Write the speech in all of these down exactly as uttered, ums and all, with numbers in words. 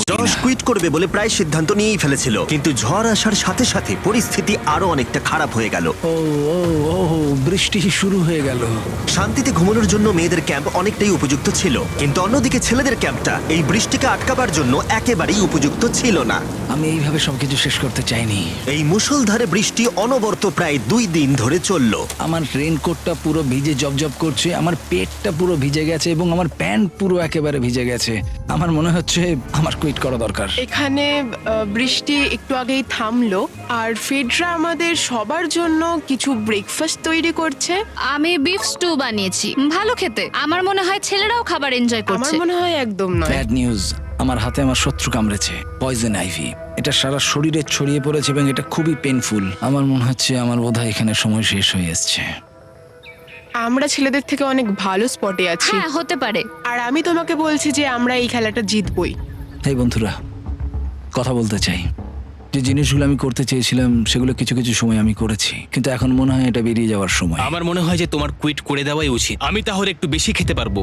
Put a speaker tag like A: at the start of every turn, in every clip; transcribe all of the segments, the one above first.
A: Josh quit করবে বলে প্রায় সিদ্ধান্ত নিয়েই ফেলেছিল, কিন্তু ঝড় আসার সাথে সাথে পরিস্থিতি আরো অনেকটা খারাপ হয়ে গেল।
B: ও ও ও বৃষ্টি শুরু হয়ে গেল।
A: শান্তিতে ঘুমানোর জন্য মেয়েদের ক্যাম্প অনেকটাই উপযুক্ত ছিল, কিন্তু অন্যদিকে ছেলেদের ক্যাম্পটা এই বৃষ্টিকে আটকাবার জন্য একেবারেই উপযুক্ত ছিল না।
B: আমি এইভাবে সবকিছু শেষ করতে চাইনি।
A: এই মুষলধারে বৃষ্টি অনবরত প্রায় দুই দিন ধরে চলল।
B: আমার রেনকোটটা পুরো ভিজে জবজব করছে, আমার পেটটা পুরো ভিজে গেছে এবং আমার প্যান্ট পুরো একেবারে ভিজে গেছে। আমার মনে হচ্ছে আমার কুইট করা দরকার।
C: এখানে আহ, বৃষ্টি একটু আগেই থামলো, আর ফেডরা আমাদের সবার জন্য কিছু ব্রেকফাস্ট তৈরি করছে।
D: আমি বিফ স্টু বানিয়েছি, ভালো খেতে। আমার মনে হয় ছেলেরাও খাবার এনজয়
C: আমার
D: করছে।
C: মনে হয় একদম নয়।
B: ব্যাড নিউজ, আমার হাতে আমার শত্রু কামড়েছে, পয়জন আইভি। এটা সারা শরীরে ছড়িয়ে পড়েছে এবং এটা খুবই পেইনফুল। আমার মনে হচ্ছে আমার বোধহয় এখানে সময় শেষ হয়ে এসছে।
C: আমরা ছেলেদের থেকে অনেক ভালো স্পটে আছি,
D: হ্যাঁ, হতে পারে।
C: আর আমি তোমাকে বলছি যে আমরা এই খেলাটা জিতবই।
B: এই বন্ধুরা, কথা বলতে চাই। যে জিনিসগুলো আমি করতে চেয়েছিলাম সেগুলো কিছু কিছু সময় আমি করেছি, কিন্তু এখন মনে হয় এটা বেরিয়ে যাওয়ার সময়।
E: আমার মনে হয় যে তোমার কুইট করে দেওয়াই উচিত। আমি তাহলে একটু বেশি খেতে পারবো।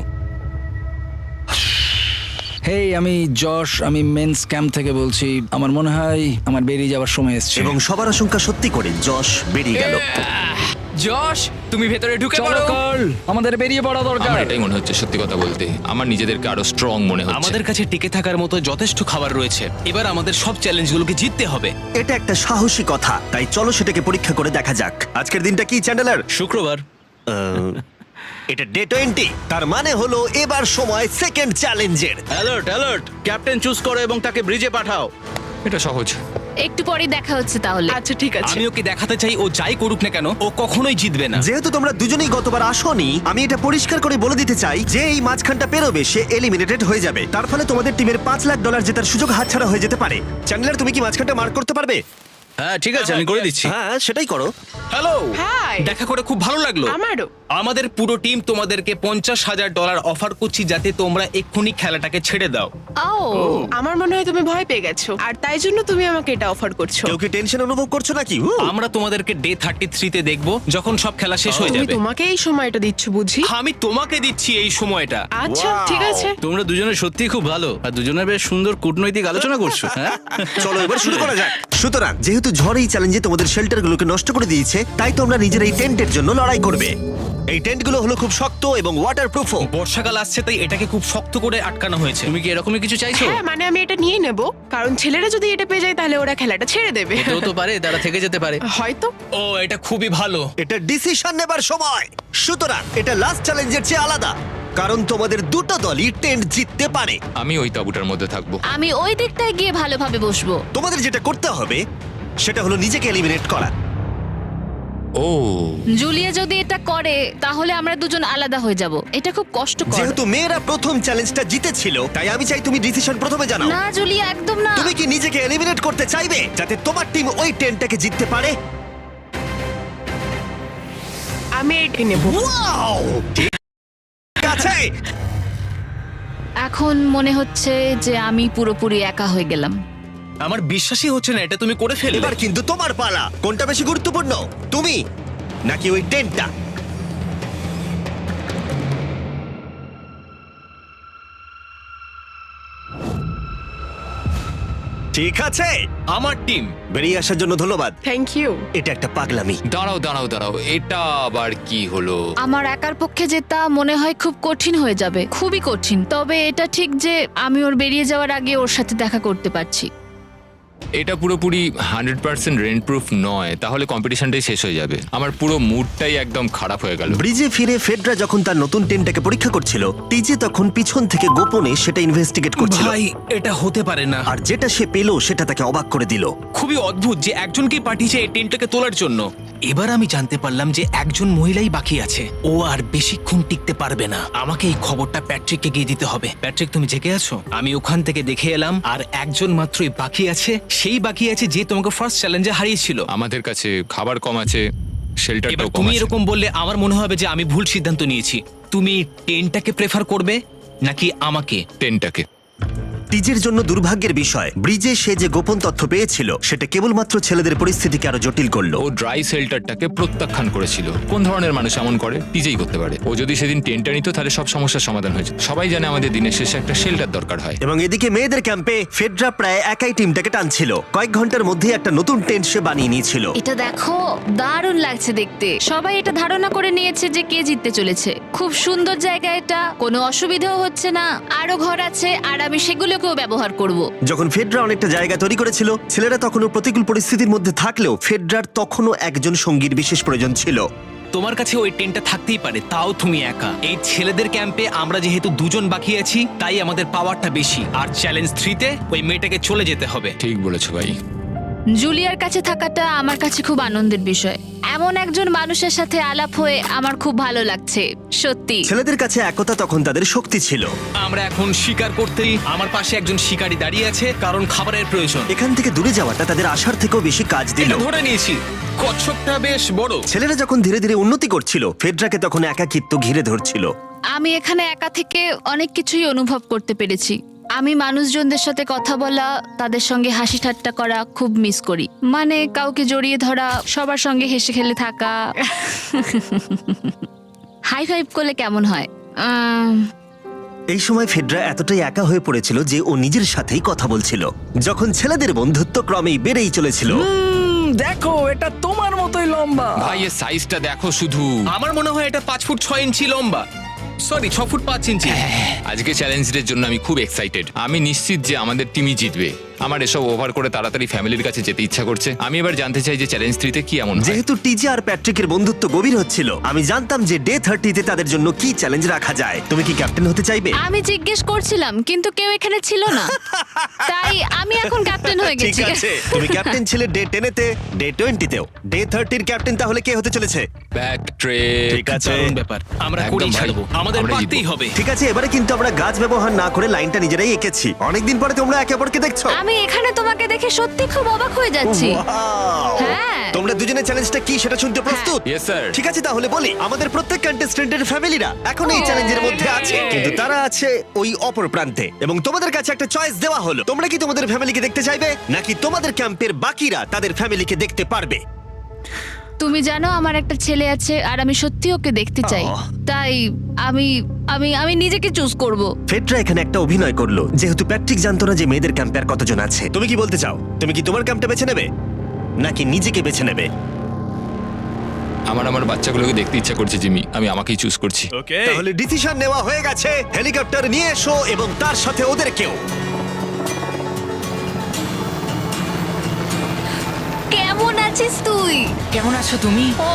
B: হেই, আমি যশ, আমি মেন্স ক্যাম্প থেকে বলছি। আমার মনে হয় আমার বেরিয়ে যাওয়ার সময় এসছে।
A: এবং সবার আশঙ্কা সত্যি করে যশ বেরিয়ে গেল।
F: যশ, তুমি ভেতরে ঢুকে
B: চলো
F: পড়ো।
B: কার্ল, আমাদের বেরিয়ে পড়া দরকার।
F: আমার এটাই মনে হচ্ছে, সত্যি কথা বলতে আমার নিজেদেরকে আরো স্ট্রং মনে হচ্ছে।
E: আমাদের কাছে টিকে থাকার মতো যথেষ্ট খাবার রয়েছে। এবার আমাদের সব চ্যালেঞ্জগুলোকে জিততে হবে।
A: এটা একটা সাহসী কথা, তাই চলো সেটাকে পরীক্ষা করে দেখা যাক। আজকের দিনটা কি চ্যান্ডেলার?
E: শুক্রবার।
A: আহ, এটা ডে টোয়েন্টি, তার মানে হলো এবার সময় সেকেন্ড চ্যালেঞ্জের।
G: অ্যালার্ট অ্যালার্ট, ক্যাপ্টেন চুজ করো এবং তাকে ব্রিজে পাঠাও।
F: এটা সহজ।
D: একটু পরেই দেখা হচ্ছে তাহলে।
C: আচ্ছা ঠিক আছে।
E: আমি ওকে দেখাতে চাই ও যাই করুক না কেন ও কখনোই জিতবে না।
A: যেহেতু তোমরা দুজনেই গতবার আসোনি, আমি এটা পরিষ্কার করে বলে দিতে চাই যে এই মাঝখানটা পেরোবে সে এলিমিনেটেড হয়ে যাবে। তার ফলে তোমাদের টিমের পাঁচ লাখ ডলার জেতার সুযোগ হাতছাড়া হয়ে যেতে পারে। চ্যান্ডেলার, তুমি কি মাঝখানটা মার্ক করতে পারবে?
G: হ্যাঁ ঠিক আছে, আমি করে দিচ্ছি।
A: হ্যাঁ, সেটাই করো।
E: Hello,
C: hi.
E: দেখা করে খুব ভালো লাগলো।
C: আমারও।
E: আমাদের পুরো টিম তোমাদেরকে পঞ্চাশ হাজার ডলার অফার করছি যাতে তোমরা এক্ষুনি খেলাটাকে ছেড়ে দাও।
D: ও,
C: আমার মনে হয় তুমি ভয় পেয়ে গেছো, আর তাই জন্য তুমি আমাকে এটা অফার করছো।
A: কেউ কি টেনশন অনুভব করছো নাকি? উ!
E: আমরা তোমাদেরকে ডে থার্টি থ্রিতে দেখবো যখন সব খেলা শেষ হয়ে
C: তুমি
E: যাবে।
C: তোমাকে এই সময়টা দিচ্ছ বুঝি?
E: আমি তোমাকে দিচ্ছি এই সময়টা।
C: আচ্ছা ঠিক আছে।
G: তোমরা দুজনে সত্যি খুব ভালো, আর দুজনে বেশ সুন্দর কূটনৈতিক আলোচনা করছো। হ্যাঁ
A: চলো এবার শুরু করা যাক। সুতরাং যেহেতু ঝড় এই চ্যালেঞ্জে তোমাদের শেল্টারগুলোকে নষ্ট করে দিয়েছে, তাই তোমরা নিজের এই টেন্টের জন্য লড়াই করবে। এই টেন্টগুলো হলো খুব শক্ত এবং ওয়াটারপ্রুফও।
E: বর্ষাকাল আসছে তাই এটাকে খুব শক্ত করে আটকানো হয়েছে।
G: তুমি কি এরকমই কিছু চাইছো?
C: হ্যাঁ, মানে আমি এটা নিয়ে নেব, কারণ ছেলেরা যদি এটা পেয়ে যায় তাহলে ওরা খেলাটা ছেড়ে দেবে।
G: হতেও তো পারে তারা থেকে যেতে পারে।
C: হয়তো।
E: ও, এটা খুবই ভালো।
A: এটা ডিসিশন নেবার সময়। সুতরাং এটা লাস্ট চ্যালেঞ্জের চেয়ে আলাদা, কারণ তোমাদের দুটো দলই টেন্ট জিততে পারে।
F: আমি ওই তাঁবুটার মধ্যে থাকবো।
D: আমি ওই দিকটায় গিয়ে ভালোভাবে বসবো।
A: তোমাদের যেটা করতে হবে সেটা হলো নিজেকে এলিমিনেট করা।
F: ও,
D: জুলিয়া যদি এটা করে তাহলে আমরা দুজন আলাদা হয়ে যাব। এটা খুব কষ্টকর।
A: যেহেতু মেয়েরা প্রথম চ্যালেঞ্জটা জিতেছিল, তাই আমি চাই তুমি ডিসিশন প্রথমে জানাও।
D: না জুলিয়া, একদম না।
A: তুমি কি নিজেকে এলিমিনেট করতে চাইবে যাতে তোমার টিম ওই টেন্টটাকে জিততে পারে?
C: আমি এটা নেব।
A: ওয়াও, ঠিক আছে।
D: এখন মনে হচ্ছে যে আমি পুরোপুরি একা হয়ে গেলাম।
E: আমার বিশ্বাসই হচ্ছে না এটা তুমি করে ফেললে।
A: এবার কিন্তু তোমার পালা। কোনটা বেশি গুরুত্বপূর্ণ, তুমি নাকি ওই টেন্টটা? ঠিক আছে,
E: আমার টিম।
A: বেরিয়ে আসার জন্য ধন্যবাদ।
C: Thank you.
A: এটা একটা পাগলামি।
F: দাঁড়াও দাঁড়াও দাঁড়াও, এটা আবার কি হলো?
D: আমার একার পক্ষে জেতা মনে হয় খুব কঠিন হয়ে যাবে, খুবই কঠিন। তবে এটা ঠিক যে আমি ওর বেরিয়ে যাওয়ার আগে ওর সাথে দেখা করতে পারছি।
F: এটা পুরোপুরি হান্ড্রেড পার্সেন্ট রেন্ট প্রুফ নয়, তাহলে কম্পিটিশনটাই শেষ হয়ে যাবে। আমার পুরো মুডটাই একদম খারাপ হয়ে গেল।
A: ব্রিজে ফিরে ফেডরা যখন তার নতুন টেন্টটাকে পরীক্ষা করছিল, টিজে তখন পিছন থেকে গোপনে সেটা ইনভেস্টিগেট করছিল।
E: ভাই, এটা হতে পারে না।
A: আর যেটা সে পেল সেটা তাকে অবাক করে দিল।
E: খুবই অদ্ভুত যে একজনকেই পাঠিয়েছে এই টেন্টটাকে তোলার জন্য। এবার আমি জানতে পারলাম যে একজন মহিলাই বাকি আছে। ও আর বেশিক্ষণ টিকতে পারবে না। আমাকে এই খবরটা প্যাট্রিককে গিয়ে দিতে হবে। প্যাট্রিক, তুমি জেগে আছো? আমি ওখান থেকে দেখে এলাম আর একজন মাত্রই বাকি আছে। সেই বাকি আছে যে তোমাকে ফার্স্ট চ্যালেঞ্জে হারিয়েছিল।
F: আমাদের কাছে খাবার কম আছে,
E: এবার
F: শেল্টারটাও কম
E: তুমি
F: আছে।
E: এরকম বললে আমার মনে হবে যে আমি ভুল সিদ্ধান্ত নিয়েছি। তুমি টেন্টটাকে প্রেফার করবে নাকি আমাকে?
F: টেনটাকে।
A: টিজের জন্য দুর্ভাগ্যের বিষয়, ব্রিজে সে যে গোপন তথ্য পেয়েছিল সেটা কেবলমাত্র ছেলেদের পরিস্থিতিকে আরো জটিল করলো।
F: ও ড্রাই শেল্টারটাকে প্রত্যাখ্যান করেছিল। কোন ধরনের মানুষ এমন করে? টিজেই করতে পারে। ও যদি সেদিন টেন্টটা নিত তাহলে সব সমস্যার সমাধান হয়েছে। সবাই জানে আমাদের দিনের শেষে একটা শেল্টার দরকার হয়।
A: এবং এদিকে মেয়েদের ক্যাম্পে ফেডরা প্রায় একাই টিমটাকে টানছিল। কয়েক ঘন্টার মধ্যে একটা নতুন টেন্ট সে বানিয়ে নিয়েছিল।
D: এটা দেখো, দারুণ লাগছে দেখতে। সবাই এটা ধারণা করে নিয়েছে যে কে জিততে চলেছে। খুব সুন্দর জায়গা এটা, কোনো অসুবিধাও হচ্ছে না। আরো ঘর আছে আর আমি সেগুলোকেও ব্যবহার করব।
A: যখন ফেডরা অনেকটা জায়গা তৈরি করেছিল, ছেলেরা তখনও প্রতিকূল পরিস্থিতির মধ্যে থাকলেও ফেডরার তখনও একজন সঙ্গীর বিশেষ প্রয়োজন ছিল।
E: তোমার কাছে ওই টেন্টটা থাকতেই পারে, তাও তুমি একা। এই ছেলেদের ক্যাম্পে আমরা যেহেতু দুজন বাকি আছি, তাই আমাদের পাওয়ারটা বেশি। আর চ্যালেঞ্জ থ্রিতে ওই মেয়েটাকে চলে যেতে হবে।
F: ঠিক বলেছো ভাই।
D: জুলিয়ার কাছে থাকাটা আমার কাছে খুব আনন্দের বিষয়। এমন একজন মানুষের সাথে আলাপ হয়ে আমার খুব ভালো লাগছে, সত্যি।
A: ছেলেদের কাছে একতা তখন তাদের শক্তি ছিল।
E: আমরা এখন শিকার করতেই আমার পাশে একজন শিকারী দাঁড়িয়ে আছে, কারণ খাবারের প্রয়োজন।
A: এখান থেকে দূরে যাওয়াটা তাদের আশার থেকেও বেশি কাজ দিল।
E: এটা ধরে নিয়েছি, কচ্ছপটা বেশ বড়।
A: ছেলেরা যখন ধীরে ধীরে উন্নতি করছিল, ফেডরাকে তখন একাকিত্ব ঘিরে ধরছিল।
D: আমি এখানে একা থেকে অনেক কিছুই অনুভব করতে পেরেছি। আমি মানুষজনদের সাথে কথা বলা, তাদের সঙ্গে হাসি ঠাট্টা করা খুব মিস করি। মানে কাউকে জড়িয়ে ধরা, সবার সঙ্গে হেসে খেলে থাকা। হাই ফাইভ করলে কেমন হয়? আম,
A: এই সময় ফেডরা এতটাই একা হয়ে পড়েছিল যে ও নিজের সাথেই কথা বলছিল, যখন ছেলেদের বন্ধুত্ব ক্রমেই বেড়েই চলেছিল।
B: দেখো, এটা তোমার মতোই লম্বা।
F: ভাই এর সাইজটা দেখো শুধু।
E: আমার মনে হয় এটা পাঁচ ফুট ছয় ইঞ্চি লম্বা। সরি, ছ ফুট পাঁচ ইঞ্চি।
F: আজকে চ্যালেঞ্জের জন্য আমি খুব এক্সাইটেড। আমি নিশ্চিত যে আমাদের টিমই জিতবে। আমার এসব ওভার করে তাড়াতাড়ি ফ্যামিলির কাছে যেতে ইচ্ছা করছে। আমি এবার জানতে চাই যে চ্যালেঞ্জ থ্রিতে কি এমন হয়।
A: যেহেতু টিজে আর প্যাট্রিকের বন্ধুত্ব গভীর হচ্ছিল, আমি জানতাম যে ডে থার্টিতে তাদের জন্য কি চ্যালেঞ্জ রাখা যায়। তুমি কি ক্যাপ্টেন হতে চাইবে?
D: আমি জিজ্ঞেস করছিলাম, কিন্তু কেউ এখানে ছিল না, তাই আমি এখন ক্যাপ্টেন হয়ে
A: ঠিক
D: গেছি।
A: আছে, তুমি ক্যাপ্টেন ছিলে ডে টেনেতে, ডে টোয়েন্টিতেও। ডে থার্টির ক্যাপ্টেন তাহলে কে হতে চলেছে?
F: Back track.
A: ঠিক আছে,
E: দারুণ ব্যাপার, আমরা
F: একদম
E: করেই
F: ভাই।
E: ছাড়বো। আমাদের
F: আমরা
E: পারতেই
F: জিতবো।
E: হবে।
A: ঠিক আছে। এবারে কিন্তু আমরা গাছ ব্যবহার না করে লাইনটা নিজেরাই এঁকেছি। অনেকদিন পরে তোমরা একে অপরকে দেখছো।
D: আমি এখানে তোমাকে দেখে সত্যি খুব অবাক হয়ে যাচ্ছি।
A: Wow!
D: হ্যাঁ।
A: তোমরা দুজনের চ্যালেঞ্জটা কি সেটা শুনতে প্রস্তুত?
F: Yes sir.
A: ঠিক আছে, তাহলে বলি, আমাদের প্রত্যেক কন্টেস্টেন্টের ফ্যামিলিরা এখন এই
D: Oh,
A: চ্যালেঞ্জের মধ্যে আছে, কিন্তু তারা আছে ওই অপর প্রান্তে। এবং তোমাদের কাছে একটা চয়েস দেওয়া হলো, তোমরা কি তোমাদের ফ্যামিলিকে দেখতে চাইবে, নাকি তোমাদের ক্যাম্পের বাকিরা তাদের ফ্যামিলিকে দেখতে পারবে?
D: তুমি জানো আমার একটা ছেলে আছে আর আমি সত্যি ওকে দেখতে চাই।
A: আহ।
D: তাই আমি আমি আমি নিজেকে চুজ করব।
A: ফেডরা এখানে একটা অভিনয় করলো, যেহেতু প্যাট্রিক জানতো না যে মেয়েদের ক্যাম্পে আর কতজন আছে। তুমি কি বলতে চাও? তুমি কি তোমার ক্যাম্পটা বেছে নেবে, নাকি নিজেকে বেছে নেবে?
F: আমার আমার বাচ্চাগুলোকে দেখতে ইচ্ছা করছে জিমি। আমি আমাকেই চুজ করছি।
A: তাহলে ডিসিশন নেওয়া হয়ে গেছে। হেলিকপ্টার নিয়ে এসো এবং তার সাথে ওদেরকেও।
D: কেমন আছিস তুই?
H: কেমন আছো তুমি?
D: ও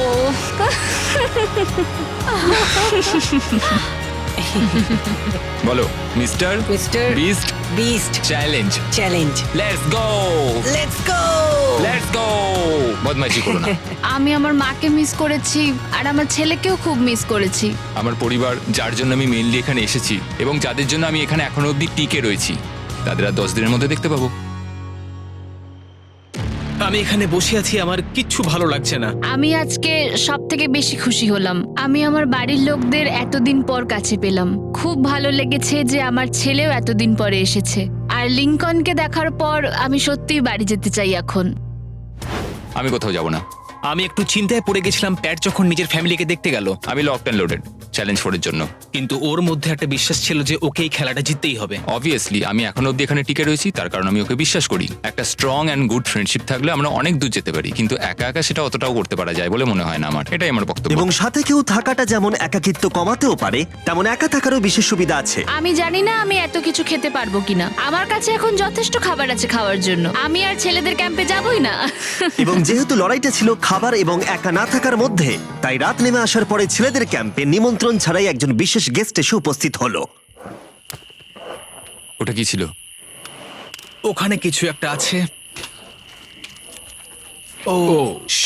F: বলো mister
H: mister
F: beast
H: beast
F: challenge.
H: Challenge.
F: Let's go,
H: let's go.
F: Let's go. বদমাইশি করো না।
D: আমি আমার মাকে মিস করেছি আর আমার ছেলেকেও খুব মিস করেছি।
F: আমার পরিবার, যার জন্য আমি মেইনলি এখানে এসেছি এবং যাদের জন্য আমি এখানে এখনো অবধি টিকে রয়েছি, তাদের আর দশ দিনের মধ্যে দেখতে পাবো।
E: আমি এখানে বসে আছি, আমার কিচ্ছু ভালো লাগছে না।
D: আমি আজকে সব থেকে বেশি খুশি হলাম। আমি আমার বাড়ির লোকদের এতদিন পর কাছে পেলাম। খুব ভালো লেগেছে যে আমার ছেলেও এতদিন পরে এসেছে। আর লিংকনকে দেখার পর আমি সত্যিই বাড়ি যেতে চাই এখন।
F: আমি কোথাও যাব না।
E: আমি একটু চিন্তায় পড়ে গেছিলাম প্যাট যখন নিজের ফ্যামিলিকে দেখতে গেল,
F: আমি লকড অ্যান্ড লোডেড চ্যালেঞ্জ ফোরের জন্য।
E: কিন্তু ওর মধ্যে একটা বিশ্বাস ছিল যে ওকে এই খেলাটা জিততেই হবে।
F: অবভিয়াসলি আমি এখনো অবধি এখানে টিকে রয়েছি, তার কারণ আমি ওকে বিশ্বাস করি। একটা স্ট্রং অ্যান্ড গুড ফ্রেন্ডশিপ থাকলে আমরা অনেক দূর যেতে পারি, কিন্তু একা একা সেটা অতটাও করতে পারা যায় বলে মনে হয় না আমার। এটাই আমার বক্তব্য।
A: এবং সাথে কেউ থাকাটা যেমন একাকিত্ব কমাতেও পারে, তেমন একা থাকারও বিশেষ সুবিধা আছে।
D: আমি জানি না আমি এত কিছু খেতে পারবো কিনা। আমার কাছে এখন যথেষ্ট খাবার আছে খাওয়ার জন্য। আমি আর ছেলেদের ক্যাম্পে যাবই না।
A: এবং যেহেতু লড়াইটা ছিল খাবার এবং একা না থাকার মধ্যে, তাই রাত নেমে আসার পরে ছেলেদের ক্যাম্পে নিমন্ত্রণ ছাড়াই একজন বিশেষ গেস্ট এসে উপস্থিত হলো।
F: ওটা কি ছিল?
E: ওখানে কিছু একটা আছে। ও